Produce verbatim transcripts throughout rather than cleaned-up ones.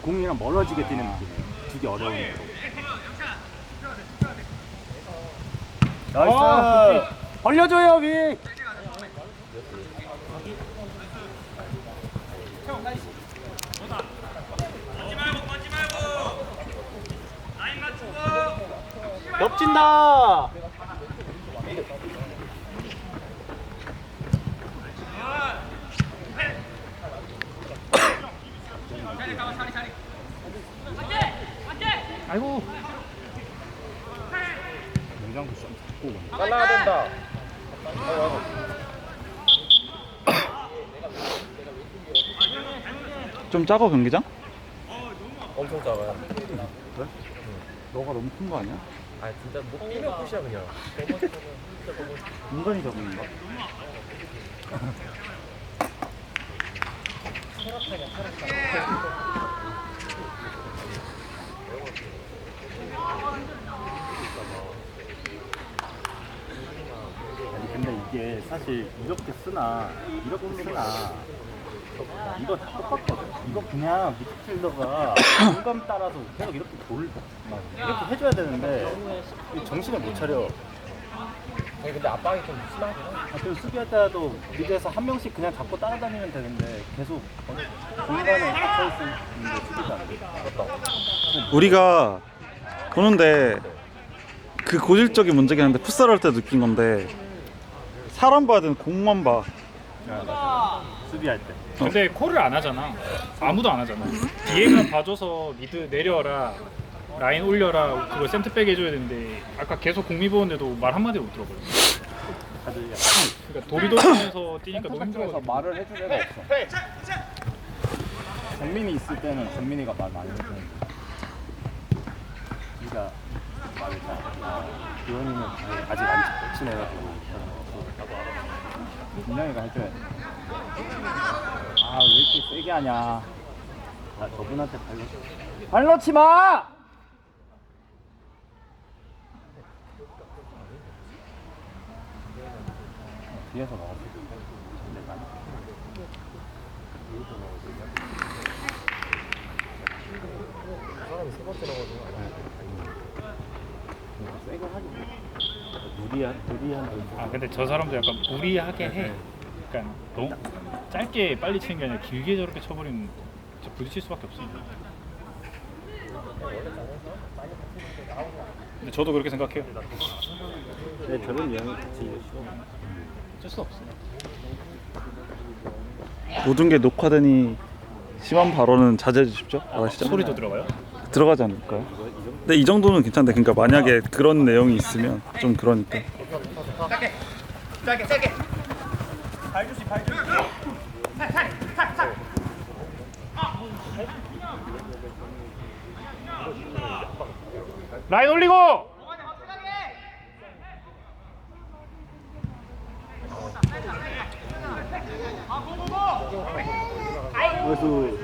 공이랑 멀어지게 뛰는 느낌이에요. 주기 어려운 거. 나이스! 아, 벌려줘요, 위! 겹친다! 아이고. 농장도 좀 잡고 오네. 잘라야 된다. 좀 작아 경기장? 엄청 작아요. 그래? 너가 너무 큰 거 아니야? 아 진짜 못 뛰면 끝이야 그냥. 인간이 적은가? 아니 근데 이게 사실 이렇게 쓰나 이렇게 쓰나 이거 다 똑같거든. 이거 그냥 미드필더가 공감 따라서 계속 이렇게 돌 이렇게 해줘야 되는데 정신을 못 차려. 아니 근데 압박이 좀 심하긴 해. 아, 그리고 수비할 때도 미드에서 한 명씩 그냥 잡고 따라다니면 되는데 계속 공간에 갇혀 있는데 수비가 안 돼. 맞다. 우리가 보는데 그 고질적인 문제긴 한데 풋살 할 때 느낀 건데 사람 봐야 되는 공만 봐. 수비할 때. 근데 콜을 안 하잖아. 아무도 안 하잖아. 뒤에가 봐줘서 미드 내려라, 라인 올려라, 그걸 센터백 해줘야 되는데 아까 계속 공미 보는데도 말 한마디 못 들어버려. 다들 약간 그러니까 도리도리면서 뛰니까 너무 센터백에서 힘들어. 말을 해줄 애가 없어. 정민이 있을 때는 정민이가 말 많이 해주는데 우리가 말을 잘 기원이는 아직 안 친해가지고 분명히가 해줘야 돼. 아 왜 이렇게 세게 하냐. 아 저분한테 발로 발 넣지 마! 뒤에서 나왔어. 내가 사람이 세 번째 나가지고. 세게 하지. 무리한 무리한. 아 근데 저 사람도 약간 무리하게 해. 그러니까 너무 짧게 빨리 치는 게 아니라 길게 저렇게 쳐버리면 진짜 부딪힐 수밖에 없습니다. 근데 저도 그렇게 생각해요. 네, 저런 유형이 같이 싫어. 어쩔 수 없어. 모든 게 녹화되니 심한 발언은 자제해 주십시오. 아시죠? 소리도 들어가요? 들어가지 않을까요? 근데 이 정도는 괜찮대. 그러니까 만약에 그런 내용이 있으면 좀 그러니까. 라인 올리고! 그래서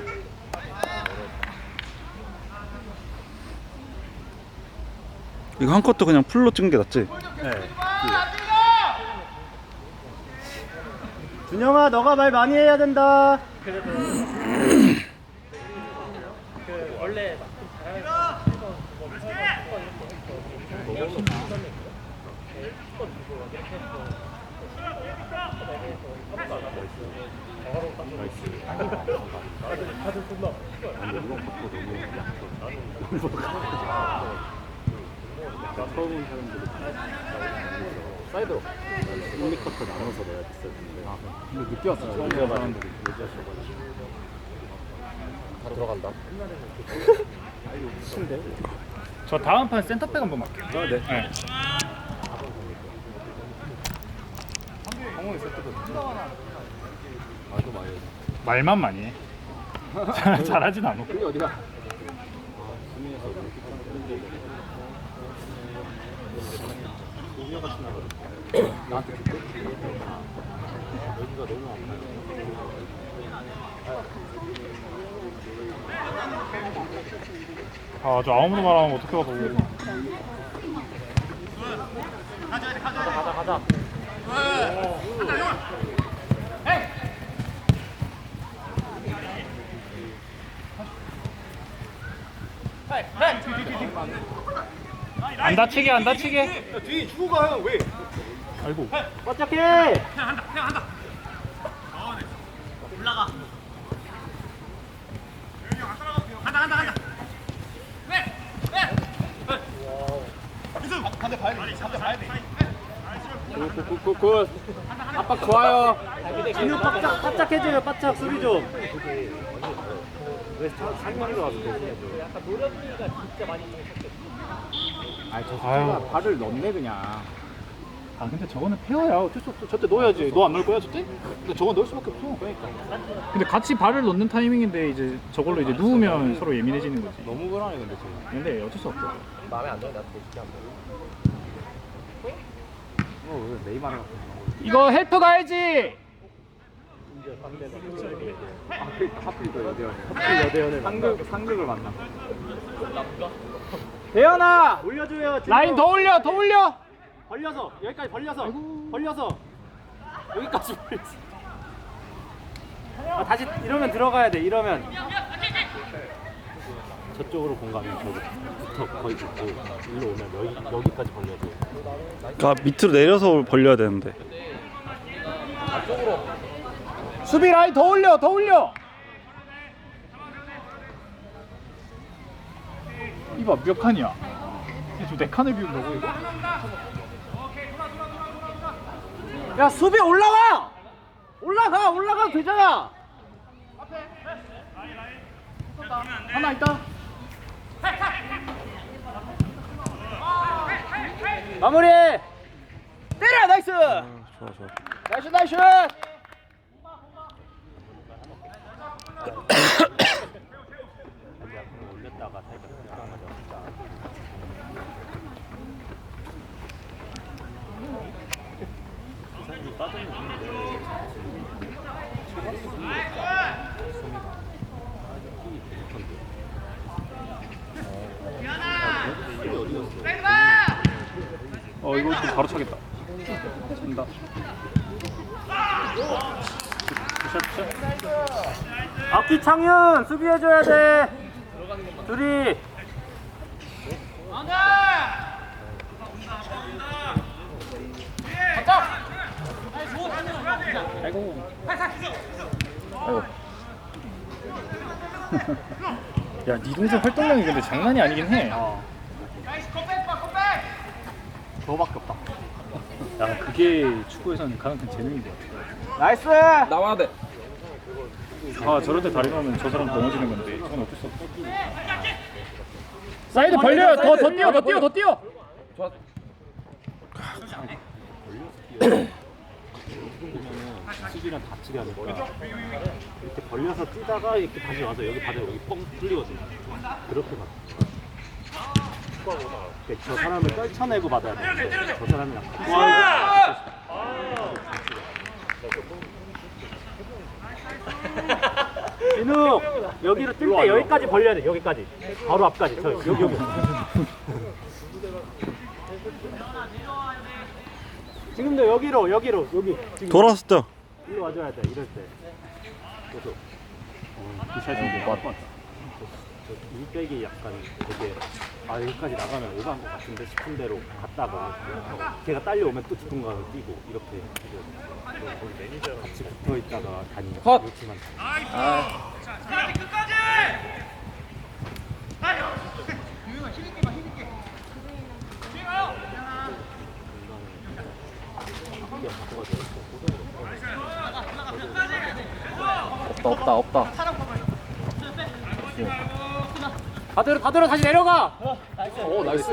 이거 한 컷도 그냥 풀로 찍는 게 낫지? 네. 준영아, 너가 말 많이 해야 된다. 처음 온 사람들이 사이드로 일, 이 쿼터 나눠서 내야 됐어요. 아, 근데 늦게 왔어. 처음 온 사람들이 얘기하셔가지고 다 들어간다. 신데? 저 다음 판 센터백 한번 맡게요. 아, 네. 네. 상황이 세트거든요. 아주 많이 해. 말만 많이 해. 잘- 잘하진 않아. 그게 어디가? 아, 수미에서 이렇게 하는데 소녀 같이 나가. 나한테 그때? 여기가 너무 아파요. 아, 저 아무도 말하면 어떻게 가서 오고. 가자 가자. 안 다치게 안 다치게. 야, 뒤에 주고 가, 형, 왜? 아이고. 바짝해. 굿굿굿. 압박 좋아요. 진우 바짝 바짝 해줘요. 바짝 소리 좀. 왜 상명이가 와서 대신해줘? 약간 노력이가 진짜 많이 아니 저 사람아 발을 넣네 그냥. 아 근데 저거는 페어야. 어쩔 수 없어. 저때 넣어야지. 너 안 넣을 거야 저때? 근데 저거 넣을 수밖에 없어. 그러니까. 근데 같이 발을 넣는 타이밍인데 이제 저걸로 이제 누우면 서로 예민해지는 거지. 너무 불안해 근데 지금. 근데 어쩔 수 없어. 마음에 안 들어, 나도 되게 안 돼. 어, 왜 네이마르 같은 거. 이거 헬프 가야지. 하필 하필 또 여대현. 하필 여대현을 상극 상극을 만나. 대현아 올려줘요. 진우. 라인 더 올려 더 올려. 벌려서 여기까지 벌려서 벌려서 여기까지 벌려서. 아, 다시 이러면 들어가야 돼. 이러면 저쪽으로 공간이 저기부터 거의 붙고 일로 오면 여기 여기까지 벌려줘. 그러니까 밑으로 내려서 벌려야 되는데. 수비 라인 더 올려 더 올려. 이봐 몇 칸이야? 지금 네 칸을 비운다고 이거? 야 수비 올라와! 올라가 올라가도 되잖아. 하나 있다. 마무리. 때려 나이스. 좋아 좋아. 나이스 나이스. 올렸다가 살짝 어 이거 좀 바로 차겠다. 찬다. 앞뒤 창윤 수비해줘야 돼. 둘이. 아이고. 아이고. 야, 니 동생 활동량이 근데 장난이 아니긴 해. 어. 저거밖에 없다. 야, 그게 축구에서는 가장 큰 재능인 것 같아. 나이스. 나와야 돼. 아, 저럴 때 다리 나오면 저 사람 넘어지는 건데, 저건 어쩔 수 없어. 사이드 벌려요. 더, 더 뛰어, 더 뛰어, 더 뛰어. 좋아. 수비랑 다치게 하니까 이렇게 벌려서 뛰다가 이렇게 다시 와서 여기 바닥에 여기 뻥 뚫리거든. 그렇게 막. 저 사람을 떨쳐내고 받아야 돼. 저 사람이랑. 진우 여기로 뛸 때 여기까지 벌려야 돼. 여기까지. 바로 앞까지. 저 여기 여기. 지금도 여기로 여기로 여기. 지금 돌았을 때. 일로 와줘야 돼. 이럴 때. 그래서 이 샷이 못 봤다. 일백이 약간 되게 아 여기까지 나가면 오버한 것 같은데 싶은 대로 갔다가 걔가 딸려오면 또 짚은 가을 뛰고 이렇게 같이 붙어 있다가 다니는 컷! 그렇지만 없다, 없다, 없다. 다 들어 다 들어 다시 내려가. 오, 나이스.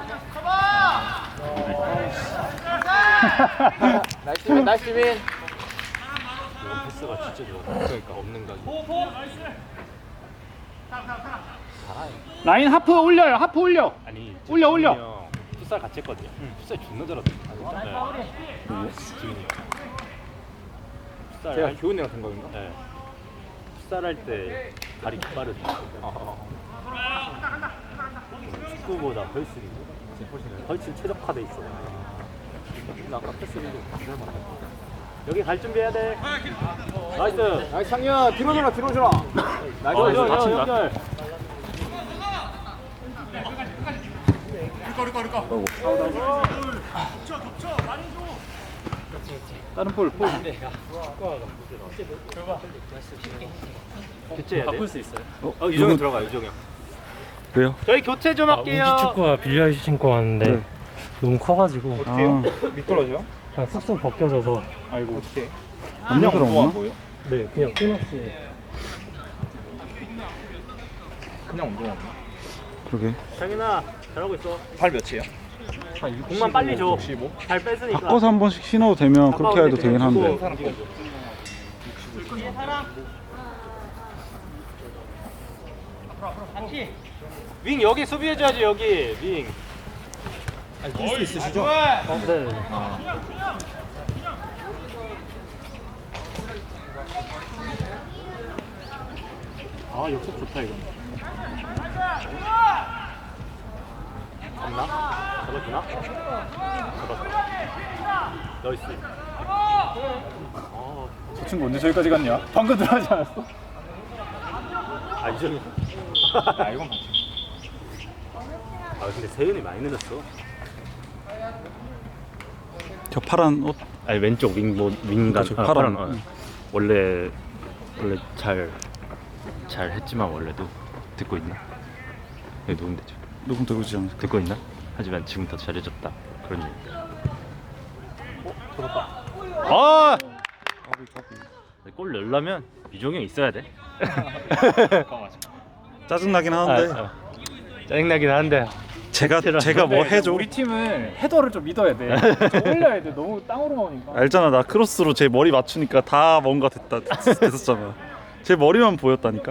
나이스 윈, 나이스 윈. 이런 패스가 진짜 좋아. 그러니까 없는 가지. 라인 하프 올려요, 하프 올려. 아니 올려, 올려. 지훈이 형 풋살 같이 했거든요. 풋살 존나 잘하더라. 네. 지훈이 형. 풋살 제가 할- 교훈이랑 생각인가? 네. 풋살 할 때 다리 빠르지. 축구보다 훨씬 훨씬 최적화돼 있어. 나 아까 패스를 좀 여기 갈 준비해야 돼. 나이스. 나이스, 상현. 뒤로 돌아, 뒤로 돌아. 나이스. 어, 연결, 다친다. 연결. 다른 볼 볼. 교체해야 돼. 바꿀 수 있어요. 어 유정이 들어가 유정이. 왜요? 저희 교체 좀 할게요. 우기 축구화 빌려 신고 왔는데 네. 너무 커가지고 어때요? 아. 미끄러져? 그냥 쑥쑥 벗겨져서 아이고 어떡해. 안 미끄러워? 뭐예요? 네 그냥 끊었어요. 그냥 운동화. 그러게. 장인아 잘하고 있어. 발 몇이에요? 공만 빨리 줘. 육십오? 발 뺐으니까. 바꿔서 한 번씩 신어도 되면 그렇게 해도 되긴 한데. 사람 거죠. 윙 여기 수비해줘야지 여기 윙. 뛸수 있으시죠? 네. 아 역습 좋다 이거. 잡나? 잡아주나? 잡았다. 나이스. 아, 저 친구 언제 저기까지 갔냐? 방금 들어가지 않았어? 아 이정이. 아 이건 맞지. 아 근데 세윤이 많이 늘었어. 저 파란 옷. 아니 왼쪽 윙뭐 윙간 그쵸, 아, 파란. 파란, 어. 응. 원래 원래 잘 잘 했지만 원래도 듣고 있나? 여기 녹음되죠. 녹음 되고 있지 않을까? 듣고 있나? 하지만 지금 더 잘해졌다 그런 얘기. 아! 골 넣으려면 미종이 형 있어야 돼. 짜증나긴 하는데 아, 어. 짜증나긴 한데 제가 제가 뭐 해줘? 우리 팀은 헤더를 좀 믿어야 돼. 좀 올려야 돼. 너무 땅으로 나오니까. 알잖아, 나 크로스로 제 머리 맞추니까 다 뭔가 됐다 됐었잖아. 제 머리만 보였다니까.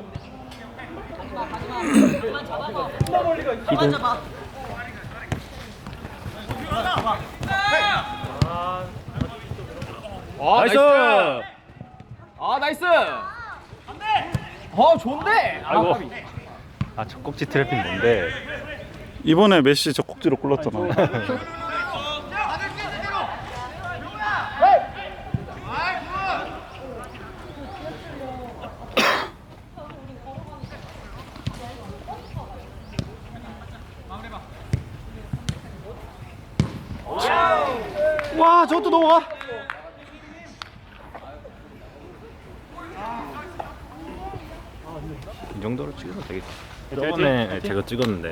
아 나이스. 아 나이스. 어 좋은데. 아이고. 아, 아 저 꼭지 트래핑 뭔데? 이번에 메시 저 꼭지로 골랐잖아. 와, 저것도 넘어가. 이 정도로 찍으면 되겠다. 저번에 제가 찍었는데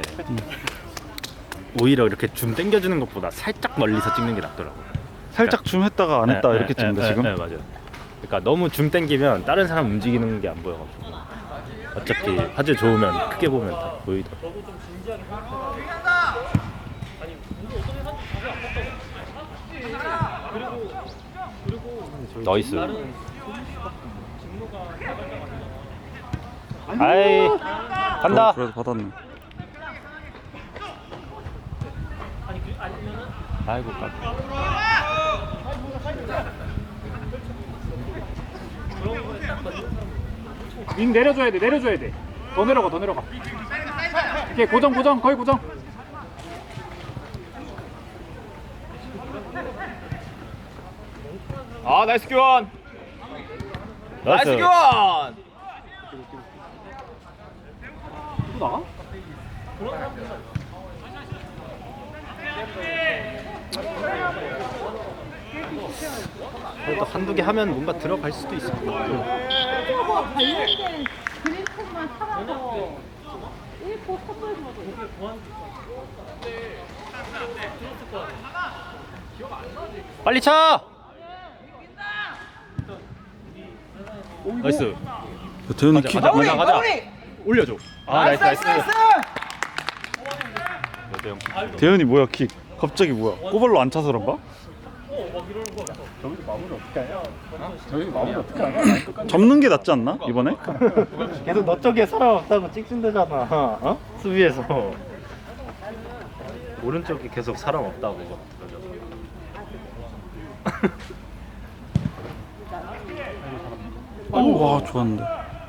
오히려 이렇게 줌 당겨주는 것보다 살짝 멀리서 찍는 게 낫더라고. 살짝 줌 했다가 안 했다 네, 이렇게 네, 찍는데 네, 지금. 네, 맞아요. 그러니까 너무 줌 당기면 다른 사람 움직이는 게 안 보여가지고 어차피 화질 좋으면 크게 보면 다 보이더라고. 나이스. 아이 간다. 어, 그래도 받았네. 아이고 깜. 윙 내려줘야 돼. 내려줘야 돼. 더 내려가. 더 내려가. 이렇게 고정 고정 거의 고정. 아 나이스 교환. 나이스. 나이스 교환. 또 나가? 그래도 한두 개 하면 뭔가 들어갈 수도 있을 것 같고. 뭐 관련된 그림책만 사가서 일부 선물로 빨리 차. 나이스. 대현이 키. 가자 가자 가자. 올려줘. 아 나이스 나이스. 여대 형. 대현이 뭐야 킥? 갑자기 뭐야? 꼬발로 안 차서 그런가? 저기서 마무리 어떻게 하냐? 저기서 마무리 어떻게 하냐? 접는 게 낫지 않나 이번에? 계속 너 쪽에 사람 없다고 찍힌다잖아. 어? 수비에서. 오른쪽에 계속 사람 없다고. 와, 좋았는데.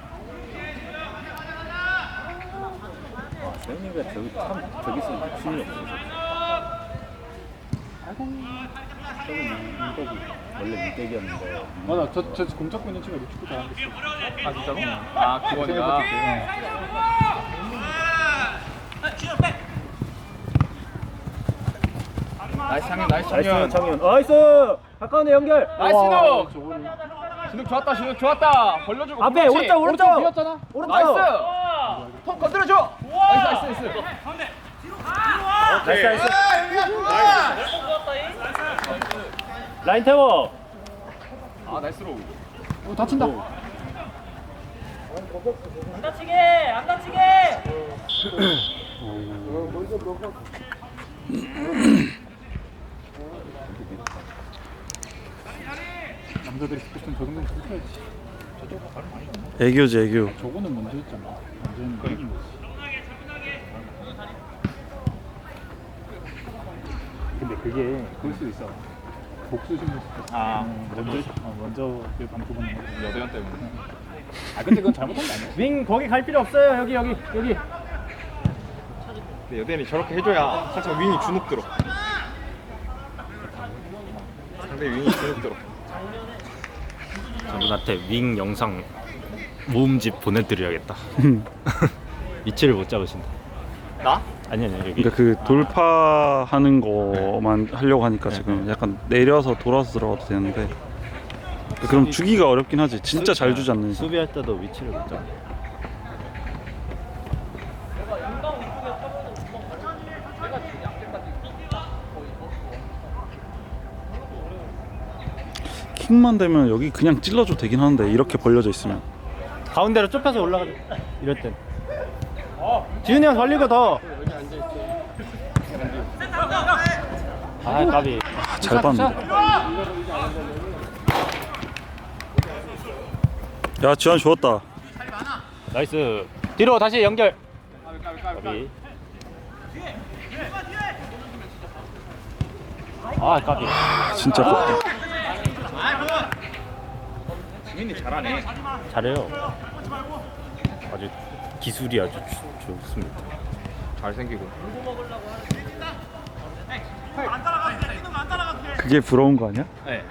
와 세윤이가 저기 참 저기 있으면 욕심이 없어. 아이고. 저기 민백이 원래 민백이었는데. 맞아. 저저 공잡고 있는 친구가 축구 잘하는 게 있어. 아 진짜로? 아 기원이가. 나이스 창현 나이스 나이스 창현 창현. 나이스. 가까운데 연결. 나이스 진욱 진욱 좋았다 진욱 좋았다 벌려주고 앞에, 그렇지. 오른쪽, 오른쪽. 비었잖아 오른쪽. 나이스 턱 건드려줘 나이스 나이스 나이스 나이스 나이스. 라인 태워. 아 나이스로 오 다친다 남자들이 듣고 싶은 저 정도는 그렇게 애교지 애교. 저거는 먼저 했잖아. 완전 이긴 거지. 근데 그게 그럴 수도 있어. 복수 심리. 아 먼저 어, 먼저 그 방법은 여대현 때문에 아 근데 그건 잘못한 거 아니야? 윙 거기 갈 필요 없어요. 여기 여기 여기. 근데 여대현이 저렇게 해줘야 살짝 윙이 주눅 들어 상대 윙이 주눅 들어 저분한테 윙 영상 모음집 보내드려야겠다. 위치를 못 잡으신다. 나? 아니 아니 여기. 그러니까 그 돌파하는 거만 하려고 하니까 지금 약간 내려서 돌아서 들어가도 되는데 그럼 주기가 어렵긴 하지. 진짜 잘 주지 않는 이상. 수비할 때도 위치를 못 잡아. 킥만 되면 여기 그냥 찔러줘도 되긴 하는데 이렇게 벌려져 있으면. 가운데로 좁혀서 올라가자. 이럴 땐. 지훈이 형 벌리고 더. 아 까비. 아, 잘 봤는데. 야 지환 좋았다. 나이스. 뒤로 다시 연결. 까비. 아 까비. 진짜 좋다. 지민이 잘하네 잘해요. 아주 기술이 아주 좋, 좋습니다. 잘생기고 그게 부러운 거 아니야? 네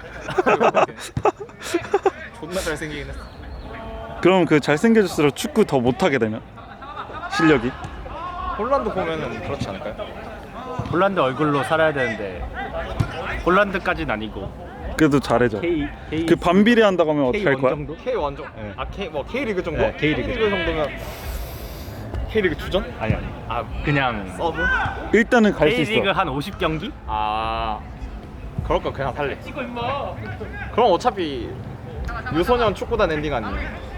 존나 잘생기긴 했어 그럼 그 잘생겨질수록 축구 더 못하게 되면 실력이? 홀란드 보면은 그렇지 않을까요? 홀란드 얼굴로 살아야 되는데 홀란드까지는 아니고 그래도 잘해줘. K K 그 반비례 한다고 하면 어떻게 할 K1 거야? 정도? K 원정 네. 아 K 뭐 K리그 정도? 네, K리그 정도면 K리그 주전? 아니 아니. 아 그냥 서브? 일단은 갈 수 K리그 있어. 한 오십 경기? 아 그럴 거 그냥 살래 그럼 어차피 유소년 축구단 엔딩 아니에요?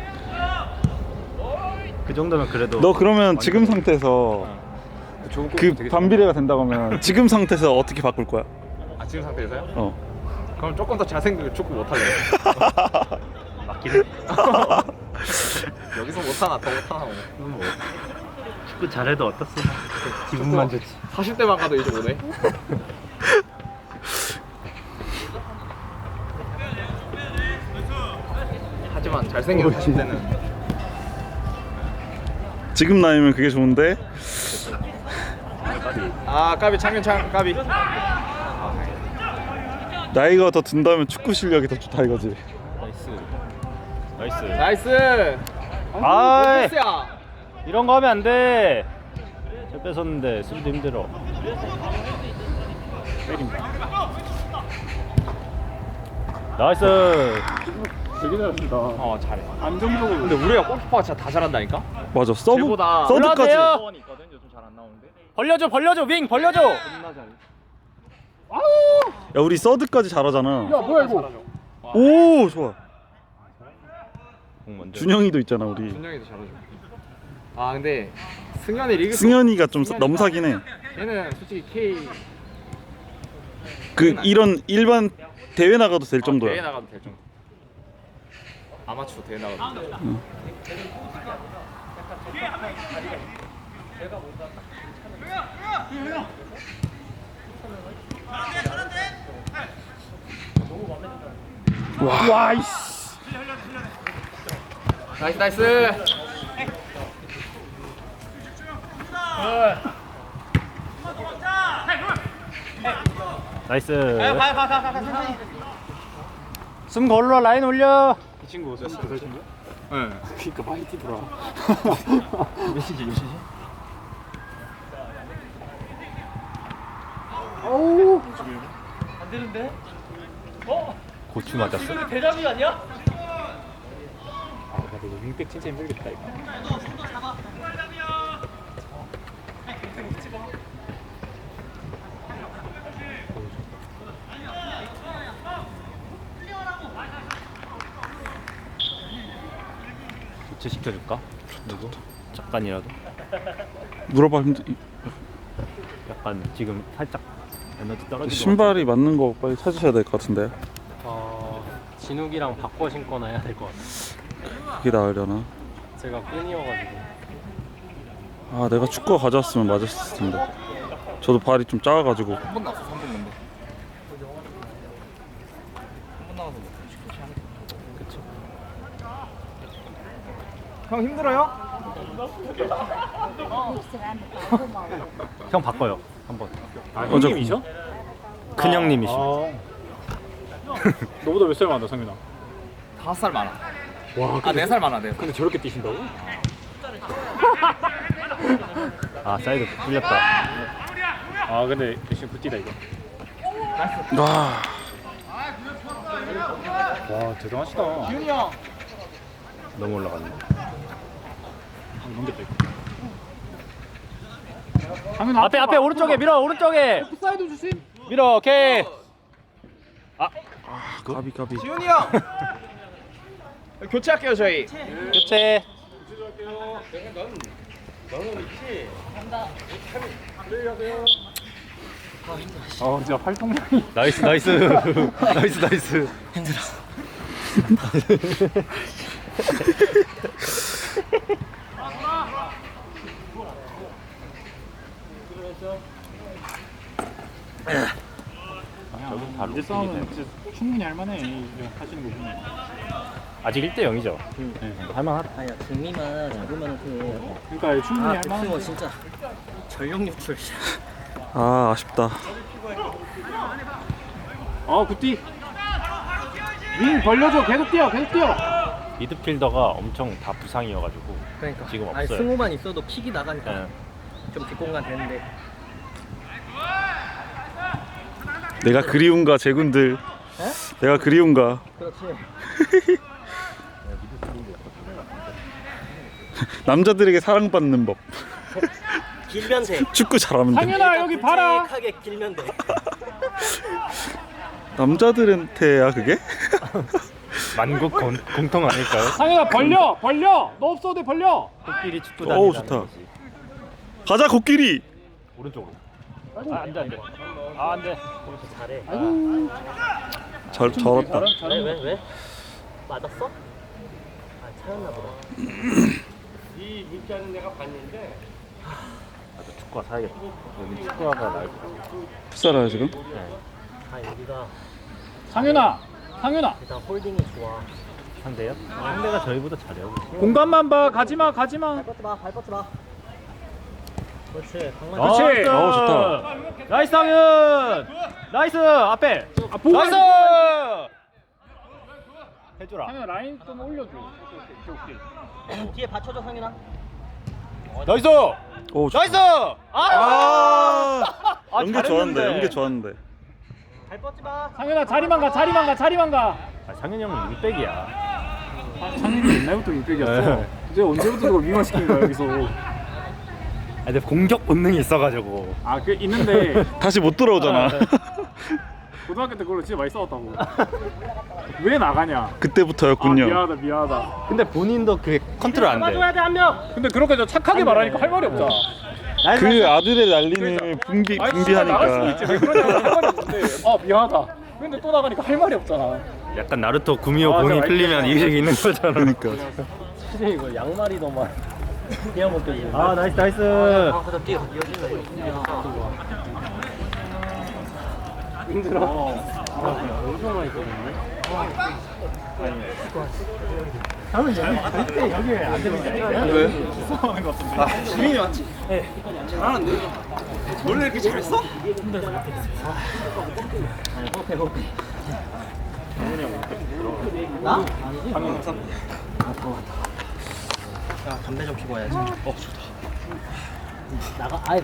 그 정도면 그래도 너 그러면 지금 상태에서 좋은 골 그 되게 반비례가 된다고 하면 지금 상태에서 어떻게 바꿀 거야? 아 지금 상태에서요? 어. 그럼 조금 더 잘생기고 축구 못할래요 맞긴 해. 여기서 못하나 더 못하나 뭐 축구 잘해도 어떻어? 기분만 좋지. 사십 대만 가도 이제 오네 하지만 잘생긴 사십 대는 지금 나이면 그게 좋은데 아 까비 창현 창 까비 나이가 더 든다면 축구 실력이 더 좋다 이거지. 나이스. 나이스. 나이스 아이. 패스야 이런 거 하면 안 돼. 잘 뺏었는데 수비도 힘들어. 나이스. 되게 잘했다. 어 잘해 안정적으로. 근데 우리가 골키퍼가 진짜 다 잘한다니까? 맞아. 서브 쟤보다 서브까지. 올라가세요. 원이 있거든 요즘 잘 안 나오는데 벌려줘 벌려줘 윙 벌려줘. 존나 잘해 야 우리 서드까지 잘하잖아. 야 뭐야 이거? 오 좋아. 공 먼저. 준영이도 있잖아 우리. 준영이도 잘하죠 아 근데 승현이 리그 승현이가 좀 사- 넘사긴 해. 얘는 솔직히 K 그 이런 일반 대회 나가도 될 아, 대회 정도야. 나가도 될 정도 아마추어 대회 나가도 될 정도 와 이씨. 나이스 나이스 나이스. 숨 걸러 라인 올려. 이 친구 어땠어? 그 친구? 응 그러니까 많이 뛰더라. 몇 시지 몇 시지? 어우. 고추 맞았어? 아, 나 이거 윙백 진짜 힘들겠다 이거. 교체 시켜줄까? 누구? 잠깐이라도. 물어봐 힘들. 약간 지금 살짝 에너지 떨어진 것 신발이 맞는 거 빨리 찾으셔야 될 것 같은데. 어, 진욱이랑 바꿔 신거나 해야 될 것 같아요. 그게 나으려나? 제가 끈이어가지고. 아 내가 축구 가져왔으면 맞았을 텐데. 저도 발이 좀 작아가지고. 한 번 나왔어 삼 분 건데. 한 번 나와서 그쵸. 형 힘들어요? 형 바꿔요 한번. 아 어저- 형님이죠? 큰 형님이시죠. 너보다 몇 살 많아 상윤아? 다섯 살 많아. 와, 아, 네 살 많아, 네. 근데 저렇게 뛰신다고? 아 사이드 뚫렸다. 아 근데 대신 굿뛰다 이거. 아 와 대단하시다. 기훈이 형. 너무 올라갔네. 아, 넘겼다 이거. 상윤아 앞에 앞에 오른쪽에 밀어 오른쪽에. 사이드 주심. 밀어 오케이. 가비 가비. 기훈이 형. 교체할게요, 저희. 교체. 어 진짜 활동량이. 나이스 나이스 나이스 나이스. 아, 이제 싸움은 진짜 충분히 할만해 이거 하시는 거 보면. 아직 일 대 영이죠. 할만하다. 아니야 등미만 잡으면 그 그러니까 충분히 아, 할만해. 백승호 진짜 전력 유출. 아 아쉽다. 어 굿뛰. 윙 벌려줘. 계속 뛰어 계속 뛰어. 미드필더가 엄청 다 부상이어가지고 그러니까 지금 아니 없어요. 승호만 있어도 킥이 나가니까 예. 좀 뒷공간 되는데. 내가 그리운가 제군들. 내가 그리운가. 그렇지. 남자들에게 사랑받는 법. 길면 돼. 축구 잘하면 돼. 상윤아 여기 봐라. 굵직하게 길면 돼. 남자들한테야 그게? 만국 공, 공통 아닐까요? 상윤아 벌려 벌려. 너 없어도 돼 벌려. 코끼리 축구 어우, 단이라는 좋다. 거지. 가자 코끼리. 오른쪽으로. 아 안돼 안돼. 아 안돼. 잘해. 잘 잘했다. 왜 왜 왜? 맞았어? 아 차였나 보다. 나도 축구화 사야겠다. 여기 축구화가 나을 것 같아. 풋살아요 지금? 아 여기가 상윤아 상윤아. 일단 홀딩이 좋아. 상대요? 상대가 저희보다 잘해요. 공간만 봐. 가지마 가지마. 발 뻗지 마, 발 뻗지 마. 그렇지. 강만. 그렇지. 나이스! 어, 좋다. 나이스 상윤. 나이스 앞에. 아, 보고 나이스. 있어. 해줘라. 상윤아 라인 좀 올려줘. 오케이 오케이 오케이. 뒤에 받쳐줘 상윤아. 나이스. 오 좋다. 나이스. 아. 아, 아, 연계 잘했는데. 좋았는데 연계 좋았는데. 발 뻗지 마. 상윤아 자리만 가 자리만 가 자리만 가. 아, 상윤이 형은 윙백이야. 아, 상윤이 옛날부터 윙백이었어. 네. 이제 언제부터 그걸 미화시킨 거야 여기서. 아, 근데 공격 본능이 있어가지고. 아 그 있는데 다시 못 돌아오잖아. 고등학교 때 그걸로 진짜 많이 싸웠다고. 왜 나가냐? 아 그때부터였군요. 미안하다 미안하다. 근데 본인도 그게 컨트롤 안 돼. 돼 한 명. 근데 그렇게 저 착하게 말하니까 할 말이 없잖아. 그 아들의 난리는 분비 아니, 진짜 나갈 수도 분비하니까. 있지. 왜 그러냐고 할 말이 없는데. 아 미안하다. 근데 또 나가니까 할 말이 없잖아. 약간 나루토 구미호 아, 봉이 저 풀리면 알겠어. 이게 있는 거잖아. 그러니까. 진짜 이거 양말이 너무 그냥 못 되지. 아 나이스 나이스. 아, 그다 뛰어. 이어진다. 힘들어. 엄청 많이 뛰었네. 다음은 여기 절대 여기 안 되는 게 아니야. 왜? 수상하는 것 같은데. 아 지민이 맞지? 네. 잘하는데? 원래 이렇게 잘했어? 아니 호패 호패. 나? 아니지? 방금 항상. 야 담배 좀 피고 와야지. 어 좋다. 나가 아예